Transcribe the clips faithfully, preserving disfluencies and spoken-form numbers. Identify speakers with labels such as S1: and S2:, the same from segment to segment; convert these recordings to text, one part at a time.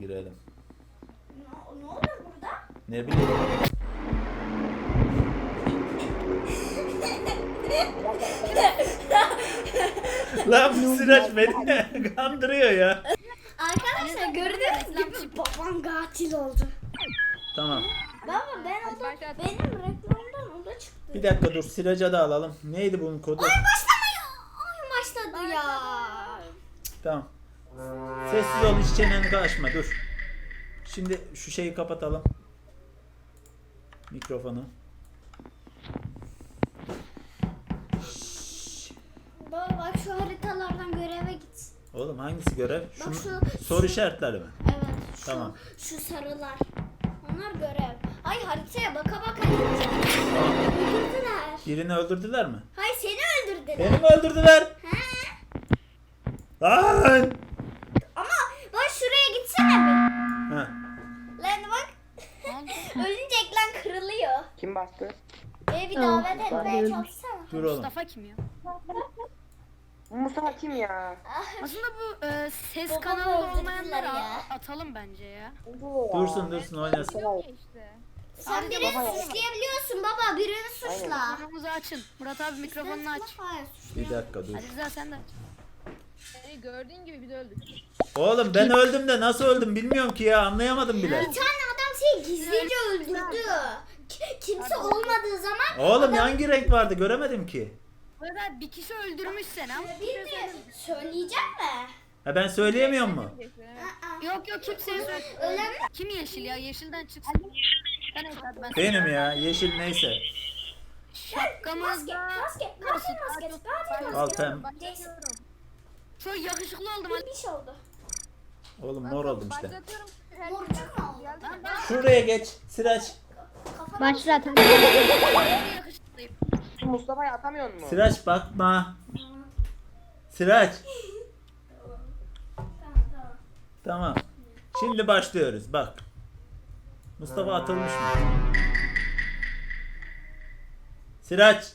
S1: girelim.
S2: Ne, ne oluyor burada?
S1: Ne bileyim. Lan bu Sıraç beni kandırıyor ya.
S2: Arkadaşlar gördüğünüz gibi babam katil oldu.
S1: Tamam.
S2: Baba ben o da benim reklamdan o da çıktı.
S1: Bir dakika dur, Sıraç'a da alalım. Neydi bunun kodu?
S2: Ay başlamıyor. Ay başladı ya.
S1: Tamam. Sessiz ol, hiç çeneni açma, dur. Şimdi şu şeyi kapatalım. Mikrofonu.
S2: Baba bak şu haritalardan göreve git.
S1: Oğlum hangisi görev?
S2: Bak
S1: Şunu,
S2: şu-
S1: soru
S2: şu-
S1: işaretleri mi?
S2: Evet şu,
S1: Tamam.
S2: şu sarılar. Onlar görev. Hayır haritaya baka baka gideceğim. Öldürdüler.
S1: Birini öldürdüler mi?
S2: Hayır seni öldürdüler.
S1: Beni mi öldürdüler?
S2: He?
S1: Lan!
S2: Ama bak şuraya gitsene bir.
S1: Ha.
S2: Lan bak. Ölünce ekran kırılıyor.
S3: Kim bastı?
S2: Beni bir davet etmeye çalışsana.
S1: Dur oğlum.
S4: Mustafa kim ya?
S3: Mustafa kim ya?
S4: Aslında bu e, ses
S2: Babamı
S4: kanalı
S2: öldürdüler
S4: olmayanları
S2: ya.
S4: a- atalım bence ya.
S1: Dursun dursun oynasın.
S2: Sen birini suçlayabiliyorsun baba. Birini suçla.
S4: Mikrofonunuzu açın. Murat abi mikrofonunu aç.
S2: Hayır
S1: Bir
S2: suçla.
S1: dakika dur.
S4: Hadi Rıza sen de aç.
S5: Hey, gördüğün gibi bir de öldük.
S1: Oğlum ben öldüm de nasıl öldüm bilmiyorum ki ya, anlayamadım bile.
S2: Bir tane adam seni gizlice öldürdü. Ki- Kimse olmadığı zaman
S1: Oğlum hangi renk vardı göremedim ki.
S4: Murat abi bir kişi öldürmüş seni ama.
S2: bilmiyorum. Söyleyeceğim mi?
S1: Ha ben söyleyemiyor mu?
S2: Aa,
S4: Yok yok kimseye söyle.
S2: Öyle mi?
S4: Kim yeşil ya? Yeşilden çıksın. Ben evet hadi ben.
S1: Benim ya, yeşil neyse.
S2: Maske,
S4: Şapkamızda.
S2: maske, katil maskesi, katil
S1: Al
S2: maskesi.
S1: pem.
S2: Jason,
S4: Çok yakışıklı oldum hadi.
S2: bir şey oldu.
S1: Oğlum mor oldum işte.
S5: Başlatıyorum.
S2: Morcuk mu oldu?
S4: Ben ben
S1: Şuraya geç Sıraç.
S2: Kafana
S6: Başlat.
S4: yakışıklıyım.
S3: Şu Mustafa'yı atamıyor mu?
S1: Sıraç bakma. Sıraç.
S2: Tamam tamam.
S1: Tamam. Şimdi başlıyoruz bak. Mustafa atılmış mı? Sıraç.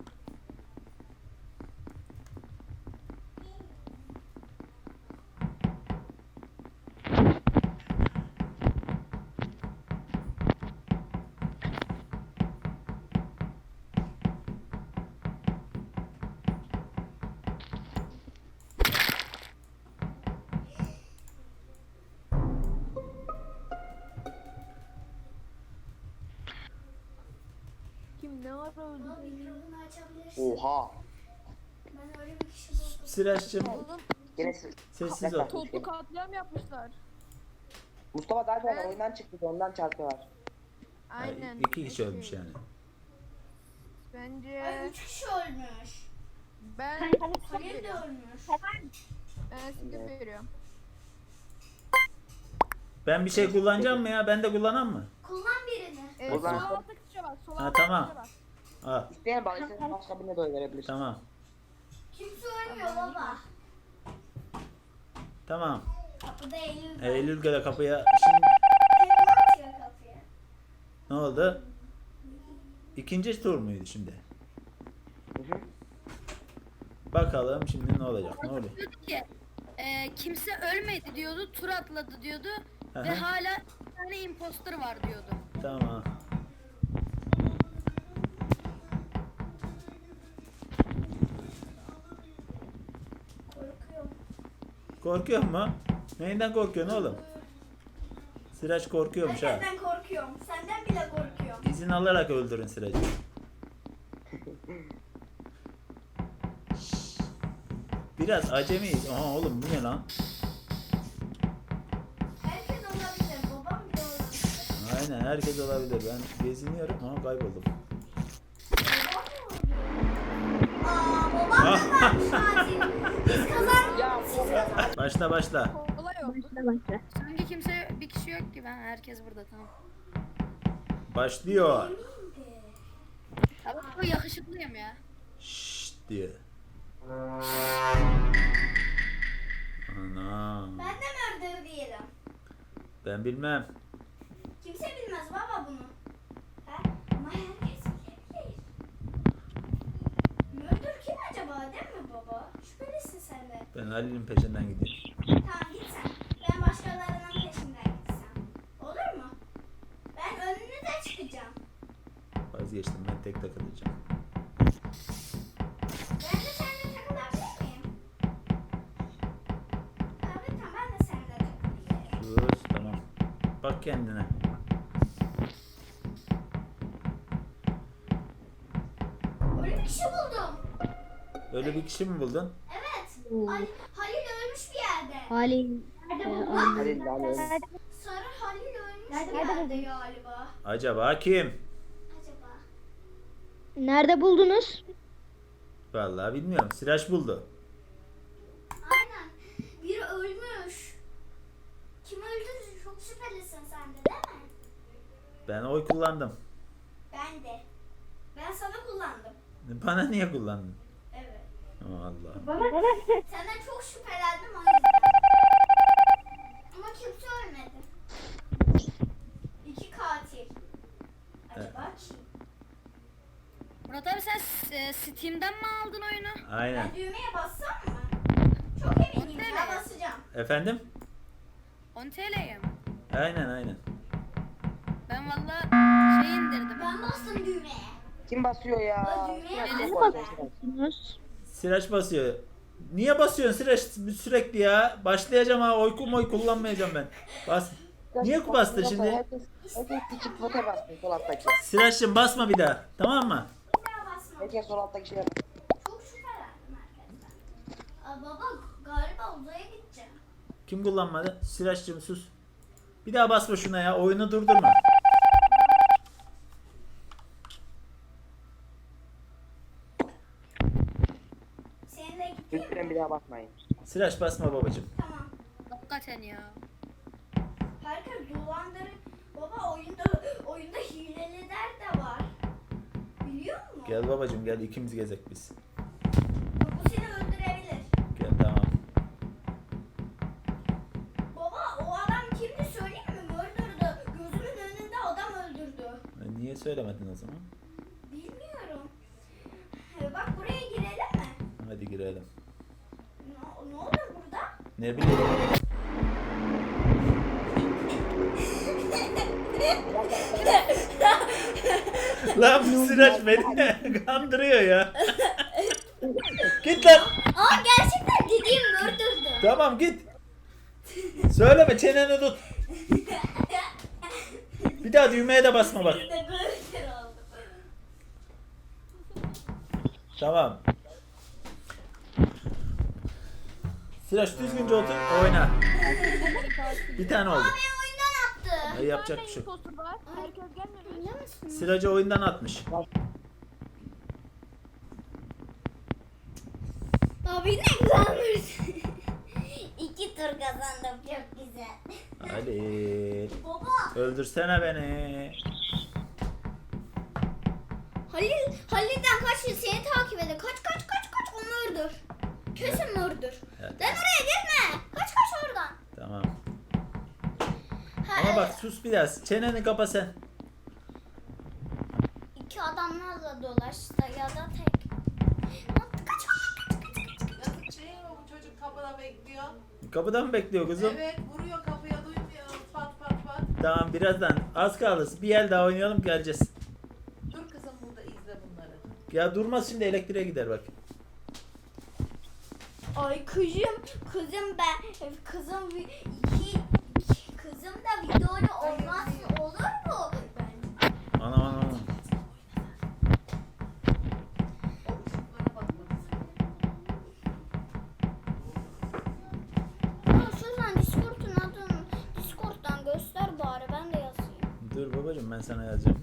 S5: Kim ne ara öldü?
S2: Mikrofonu açabilirsin.
S3: Oha.
S2: Ben öyle bir kişi buldum.
S1: Sıraç'cığım
S5: Oğlum
S3: Gene siz.
S1: sessiz ol.
S5: toplu katliam yapmışlar.
S3: Mustafa zaten oyundan çıktı, ondan çarpıyorlar.
S5: Aynen.
S1: İki kişi ölmüş yani.
S2: Ay
S5: Bence
S2: üç kişi ölmüş.
S5: ben
S2: Halil de ölmüş.
S5: ben skip veriyorum.
S1: Ben bir şey kullanacağım mı ya? Ben de kullanan mı?
S2: Kullan birini.
S5: Ee,
S3: O
S5: sol
S3: zaman-
S5: altta tuşa bak. Sol
S1: Ha,
S5: altta
S1: tamam.
S5: tuşa bak.
S1: Al
S3: İsteyen bak, isteyen başka birine de oy verebilir.
S1: tamam.
S2: Kimse ölmüyor baba.
S1: Tamam.
S2: Kapıda Eylül var.
S1: Eylül gele kapıya. Şimdi
S2: Tekme atıyor kapıya.
S1: ne oldu? İkinci tur muydu şimdi?
S3: Hı hı.
S1: Bakalım şimdi ne olacak? Ne oluyor?
S4: Diyordu ki e, kimse ölmedi diyordu. Tur atladı diyordu.
S1: Hı
S4: Ve
S1: hı.
S4: hala bir tane imposter var diyordu.
S1: Tamam.
S2: Korkuyorum.
S1: Korkuyor mu? Neyinden korkuyorsun oğlum? Sıraç korkuyormuş ha.
S2: Herkesten korkuyorum. Senden bile korkuyorum.
S1: İzin alarak öldürün Sıraç'ı. Biraz acemiyiz. Aha oğlum bu ne lan?
S2: Herkes olabilir. Babam bile olabilir.
S1: Aynen herkes olabilir. Ben geziniyorum ama kayboldum.
S2: Aa babam da varmış katil. Biz kazandık.
S3: Ya bu
S1: Başla başla.
S5: Olay oldu.
S4: Sanki kimse bir kişi yok ki ben herkes burada tamam.
S1: Başlıyor.
S4: Ama çok yakışıklıyım ya.
S1: Şşt diye. Ana.
S2: Ben de murder diyelim.
S1: Ben bilmem.
S2: Kimse bilmez baba bunu. Ha? Ama herkes bilebilir. Murder kim acaba değil mi baba? Şüphelisin sen de.
S1: Ben Halil'in peşinden gidiyorum.
S2: Tamam git sen. Ben başkalarının peşinden
S1: Vazgeçtim, ben tek takılacağım.
S2: Ben de seninle takılabilir miyim? Tabii tamam ben de seninle takılabilirim.
S1: Sus, tamam. Bak kendine.
S2: Öyle bir kişi buldum.
S1: Öyle bir kişi mi buldun?
S2: Evet. Ali, Halil ölmüş bir yerde.
S6: Halil.
S2: Nerede
S6: Ee,
S2: buldun?
S3: Halil Halil.
S2: Sarı Halil ölmüş bir yerde galiba.
S1: Acaba kim?
S2: Acaba?
S6: Nerede buldunuz?
S1: Vallahi bilmiyorum. Sıraç buldu.
S2: Aynen. Biri ölmüş. Kim öldürdü? Çok şüphelisin sen de değil mi?
S1: Ben oy kullandım.
S2: Ben de. Ben sana kullandım.
S1: Bana niye kullandın?
S2: Evet.
S1: Allah.
S2: Senden çok şüphelendim o yüzden. Ama kimse ölmedi. İki katil. Acaba kim?
S4: Murat abi sen e, Steam'den mi aldın oyunu?
S1: Aynen.
S2: Ben düğmeye bassam mı? Çok eminim ya
S4: Evet.
S2: basacağım.
S1: Efendim?
S4: on T L'ye mi?
S1: Aynen aynen.
S4: Ben valla şey indirdim.
S2: Ben bastım düğmeye.
S3: Kim basıyor ya?
S2: Ben düğmeye
S4: Öyle
S2: bastım
S3: Bak,
S2: ben.
S6: Buldunuz.
S1: Sıraç basıyor. Niye basıyorsun Sıraç sürekli ya? Başlayacağım ha. Oy oy kullanmayacağım ben. Bas. Niye bastın şimdi?
S3: Herkes, herkes küçük vote bastı sol alttaki.
S1: Sıraç'cığım basma bir daha. Tamam mı?
S2: Bir daha basmam.
S3: Herkes sol alttaki şeye bastı.
S2: Çok şüphelendim herkesten. Aa, baba galiba uzaya gideceğim.
S1: Kim kullanmadı? Sıraç'cığım sus. Bir daha basma şuna ya. Oyunu durdurma.
S2: Seninle gideyim
S3: Lütfen
S2: mi?
S3: bir daha basmayın.
S1: Sıraç basma babacığım.
S2: Tamam.
S4: Hakikaten ya.
S2: Herkes dolandırı. Baba oyunda oyunda hileliler de var. Biliyor musun?
S1: Gel babacığım gel ikimiz gezek biz.
S2: Bak, bu seni öldürebilir.
S1: Gel tamam.
S2: Baba o adam kimdi söyleyeyim mi? Öldürdü. Gözümün önünde adam öldürdü.
S1: E, Niye söylemedin o zaman?
S2: Bilmiyorum. Ee, Bak buraya girelim mi?
S1: Hadi girelim.
S2: Ne, ne olur burada?
S1: Ne bileyim. Lan bu Sıraç beni kandırıyor ya. Git lan.
S2: Aa gerçekten dediğim öldürdü.
S1: Tamam git. Söyleme çeneni tut. Bir daha düğmeye de basma bak.
S2: Bir de böyle bir şey oldu.
S1: Tamam. Sıraç düzgünce otur oyna. Bir tane oldu.
S2: Beni oyundan attı.
S1: E, yapacak bir şey yok.
S5: Imposter var. Herkes gelmemiş.
S2: Öyle misin?
S1: Sıracı oyundan atmış.
S2: Abi ne güzelmiş. İki tur kazandım çok güzel.
S1: Halil.
S2: Baba
S1: Öldürsene beni.
S2: Halil Halil'den kaç yıl seni takip ediyor. Kaç kaç kaç kaç onu öldür. Kesin öldür.
S1: Evet.
S2: Lan oraya girme. Kaç kaç oradan.
S1: Tamam.
S2: Ha,
S1: Ama bak
S2: evet.
S1: sus biraz. Çeneni kapa sen.
S2: İki adamlarla dolaştı ya da tek. Lan kaç kaç kaç kaç kaç.
S7: Yazık değil mi bu çocuk kapıda bekliyor?
S1: Kapıda mı bekliyor kızım?
S7: Evet vuruyor kapıya duymuyor pat pat pat.
S1: Tamam birazdan az kaldı. Bir el daha oynayalım geleceğiz.
S7: Dur kızım burada izle bunları.
S1: Ya durmaz şimdi elektriğe gider bak.
S2: Ay kızım kızım ben kızım vi- iki kızım da videoda olmaz olur mu? Ben
S1: Anam anam anam.
S7: O ışıklara bakmalısın.
S2: Aa, şuradan Discord'un adını Discord'dan göster bari ben de yazayım.
S1: Dur babacığım ben sana yazacağım.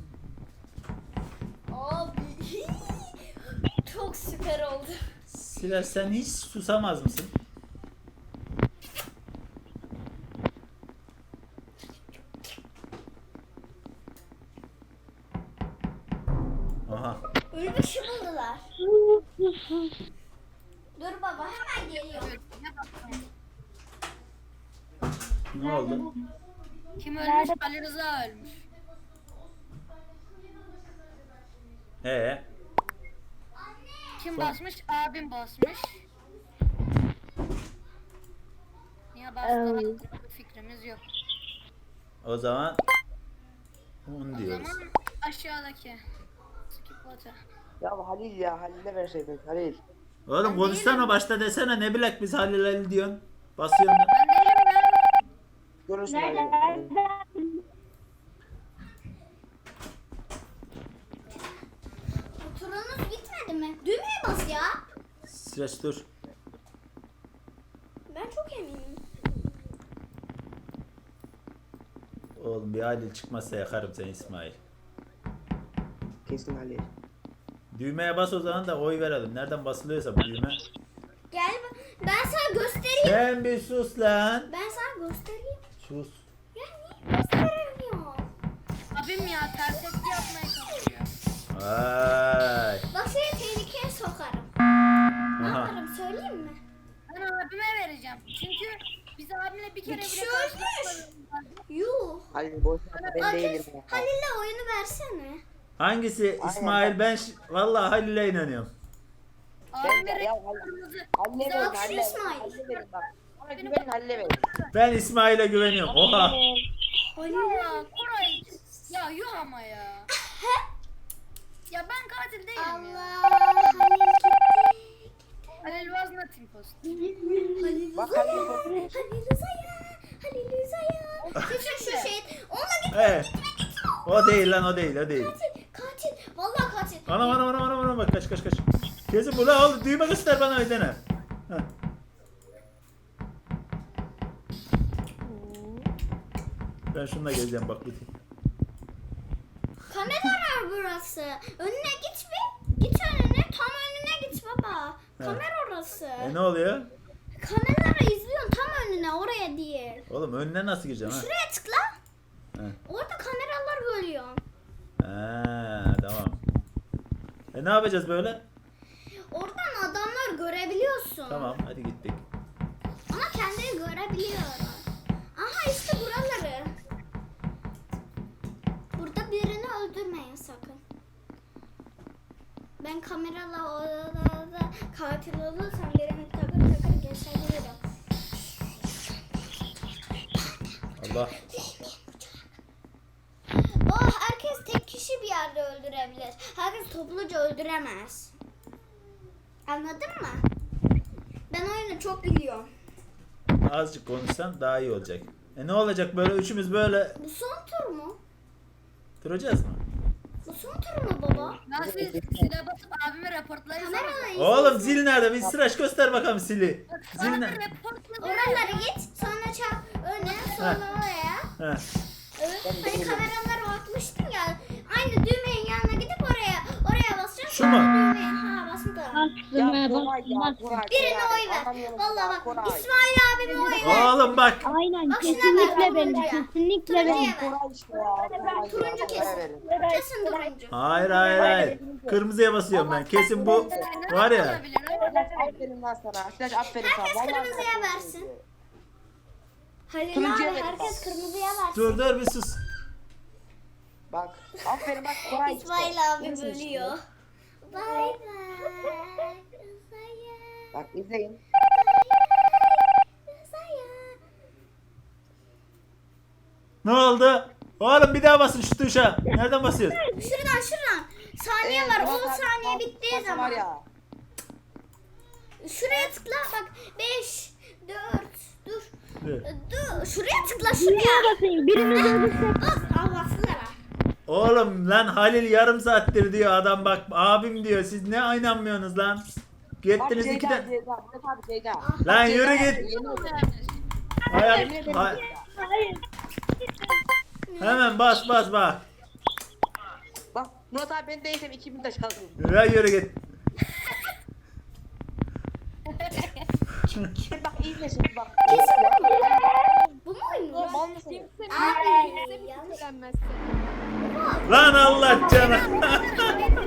S2: Abi çok süper oldu.
S1: Siler sen hiç susamaz mısın? Aha.
S2: Öyle bir şey buldular. Dur baba hemen geliyorum.
S1: Ne oldu?
S4: Kim ölmüş? Ali Rıza ölmüş.
S1: Ee,
S4: Kim
S1: Son-
S4: basmış? Abim basmış. Niye bastığına
S6: Evet.
S4: hakkında fikrimiz yok.
S1: o zaman on
S4: O
S1: diyoruz.
S4: zaman aşağıdaki. Bota.
S3: Ya Halil ya Halil'e verseydin Halil.
S1: Oğlum konuşsana başta desene ne bilek biz Halil Halil diyorsun. Basıyorsun da.
S4: Ben değilim ya.
S3: Görürsün Halil.
S2: Turunuz bitmedi mi? Düğmeye bas ya.
S1: Süreç dur.
S2: Ben çok eminim.
S1: Oğlum bir Halil çıkmazsa yakarım seni İsmail.
S3: Kesin Halil.
S1: Düğmeye bas o zaman da oy verelim. Nereden basılıyorsa bu düğme.
S2: Gel bak- ben sana göstereyim.
S1: Sen bir sus lan.
S2: Ben sana göstereyim.
S1: Sus.
S2: Ya niye gösteremiyor?
S4: Abim ya ters etki yapmaya çalışıyor.
S1: Vay.
S2: Bak seni tehlikeye sokarım. Ne
S1: Aha.
S2: yaparım söyleyeyim mi?
S4: Ben abime vereceğim. Çünkü biz abimle bir kere
S2: Bir
S4: bile
S2: kişi ölmüş.
S4: karşılaşmadık.
S2: Yuh.
S3: Halil boş ver ben değilim
S2: Ateş,
S3: ya.
S2: Halil'le oyunu versene.
S1: Hangisi İsmail? Ben ş- vallahi Halil'e inanıyorum.
S3: Ben
S4: Abime
S3: de ya
S4: renk
S3: Halil.
S4: kırmızı.
S3: Halil'e
S2: Bak
S3: verin
S2: şu
S3: Halil'e
S2: İsmail.
S3: Halil'e verin bak. Bana güvenin Halil'e verin.
S1: Ben İsmail'e güveniyorum. Oha.
S4: Ya Koray. Ya yuh ama ya. Ya ben katil değilim ya.
S2: Allah Halil gitti.
S4: Halil was not imposter.
S2: Halil
S3: Bak
S2: Rıza'ya.
S3: Halil bakıyor.
S2: Halil Rıza'ya. Halil Rıza'ya. Kesin şu şey. Onunla gitme
S1: Evet.
S2: gitme gitme.
S1: O değil lan o değil o değil.
S2: Katil. Katil. Vallahi katil.
S1: Anam anam anam anam anam bak kaç kaç kaç. Kesin bu la oğlum düğme göster bana ödene. Heh. Ben şununla geleceğim bak bir.
S2: Kamera burası. Önüne git bir. Git önüne. Tam önüne git baba. Kamera orası.
S1: E ne oluyor?
S2: Kameraları izliyorsun tam önüne oraya değil.
S1: Oğlum önüne nasıl gireceğim ha?
S2: Şuraya tıkla.
S1: He.
S2: Orada kameralar görüyor.
S1: Ha tamam. E ne yapacağız böyle?
S2: Oradan adamlar görebiliyorsun.
S1: Tamam hadi gittik.
S2: Ama kendini görebiliyor. Aha işte buraları. Burada birini öldürmeyin sakın. Ben kamerala odada katil olursam birini takır takır geçebilirim.
S1: Allah.
S2: Oh herkes tek kişi bir yerde öldürebilir. Herkes topluca öldüremez. Anladın mı? Ben oyunu çok biliyorum.
S1: Azıcık konuşsan daha iyi olacak. E ne olacak böyle üçümüz böyle
S2: Bu son tur mu?
S1: duracağız mı?
S2: Bu son tur mu baba?
S4: Ben siz silah basıp abime raportlayın.
S2: Kameralar izle.
S1: Oğlum zil nerede? Bir sıraç göster bakalım zili. Zil
S4: Bana
S1: nerede?
S4: raportla.
S2: Oralara git. Sonra çap öne sonra oraya.
S1: Heh.
S2: Evet. Hani kameralara bakmıştın ya. Aynı düğmenin yanına gidip oraya oraya basacaksın.
S1: Şu mu?
S2: sonra Düğmeye ha bastım da.
S3: Ya
S6: Bastım he
S3: Koray ya
S6: bastım bastım.
S3: Koray.
S2: Birine
S3: Koray.
S2: oy ver.
S3: Anlamıyorum
S2: Vallahi
S3: ya,
S2: bak.
S3: Koray.
S2: İsmail abime oy ver.
S1: Oğlum bak.
S6: Aynen
S2: Bak şuna ver,
S6: kesinlikle benim
S2: turuncuya.
S6: kesinlikle
S2: Turuncuya
S6: benim.
S2: ver.
S3: Koray işte ya. Koray
S2: Turuncu
S3: ya,
S2: kesin.
S3: Koray verin.
S2: Kesin turuncu.
S1: Hayır hayır hayır. Kırmızıya basıyorum ben. Kesin bu var ya.
S3: Aferin lan sana. Flash aferin sana.
S2: Herkes
S3: Vallahi
S2: kırmızıya
S3: aferin.
S2: versin. Halil
S3: Turuncuya
S2: abi
S3: verin
S2: herkes
S3: bak.
S2: kırmızıya versin.
S1: Dur dur bir sus.
S3: Bak. Aferin bak Koray işte.
S2: İsmail abi
S3: Görüyorsun işte.
S2: bölüyor. Bay bay. Rıza'ya.
S3: Bak izleyin.
S2: Rıza'ya.
S1: Ne oldu? Oğlum bir daha basın şu tuşa. Nereden basıyorsun?
S2: Şuradan şuradan. Saniye
S3: Ee,
S2: var.
S3: Murat
S2: on
S3: abi,
S2: saniye
S3: bak,
S2: bittiği
S3: bak var
S2: zaman.
S3: ya.
S2: Şuraya tıkla bak. beş, dört, dur.
S1: Dur.
S2: Dur. Şuraya tıkla
S6: Niye
S2: şuraya.
S6: basayım? Biriniz ölürse
S2: Bas. Al bastılar ha.
S1: Oğlum lan Halil yarım saattir diyor adam bak abim diyor. Siz ne inanmıyorsunuz lan?
S3: Bak
S1: Gittiniz
S3: Ceyda,
S1: ikiden.
S3: Ceyda. Murat abi Ceyda.
S1: Lan
S3: Ceyda,
S1: yürü git.
S3: yemin ederim.
S1: Hayat,
S3: Yemin ederim
S1: hay-
S3: Ceyda.
S1: hemen bas bas bak.
S3: Bak Murat abi ben değilsem iki bin de çaldım.
S1: Yürü yürü git.
S3: Bak iyi de şimdi bak.
S2: Kesin bu mu? Bu mu oynuyor?
S3: Mal mısın?
S2: Abi yanlış.
S1: Lan Allah canım.